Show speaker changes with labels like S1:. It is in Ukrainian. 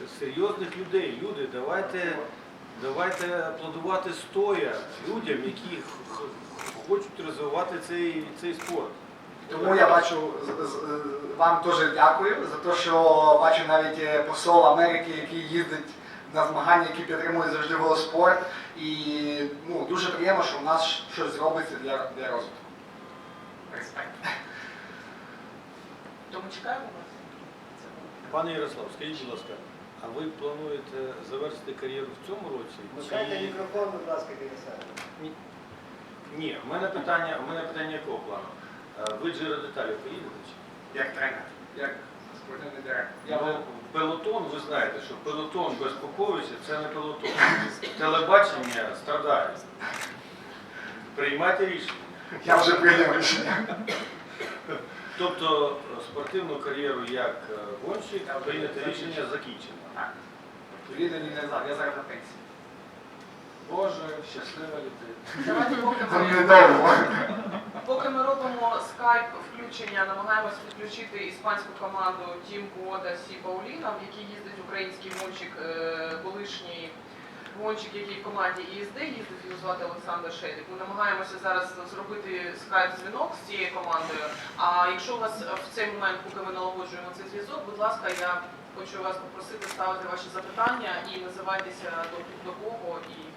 S1: серйозних людей. Люди, давайте аплодувати стоя людям, які хочуть розвивати цей спорт.
S2: Тому я бачу, вам теж дякую за те, що бачу навіть посол Америки, який їздить на змагання, які підтримують завжди велоспорт. І дуже приємно, що в нас щось робиться для розвитку. Респект.
S3: Тому чекаємо вас.
S1: Пане Ярослав, скажіть, будь ласка, а ви плануєте завершити кар'єру в цьому році?
S4: Вмикайте мікрофон, будь ласка, біля себе.
S1: Ні, у мене питання якого плану? Ви Giro d'Italia поїдете?
S2: Як тренер, як спортивний директор.
S1: Ну, пелотон, ви знаєте, що пелотон без Поповича – це не пелотон. Телебачення страдає. Приймайте рішення.
S2: Я вже прийняв рішення.
S1: Тобто спортивну кар'єру як гонщик, прийняте рішення закінчено.
S2: Так. Відповідно, я зараз на пенсії.
S1: Боже, щаслива людина.
S3: Давайте
S2: Це недовго.
S3: поки ми робимо скайп включення, намагаємось підключити іспанську команду Team Quoda Сі Пауліна, в якій їздить український гонщик, колишній гонщик, який в команді ІСД їздить, його звати Олександр Шедик. Ми намагаємося зараз зробити скайп-дзвінок з цією командою. А якщо у вас в цей момент, поки ми налагоджуємо цей зв'язок, будь ласка, я хочу вас попросити ставити ваші запитання і називайтеся до кого і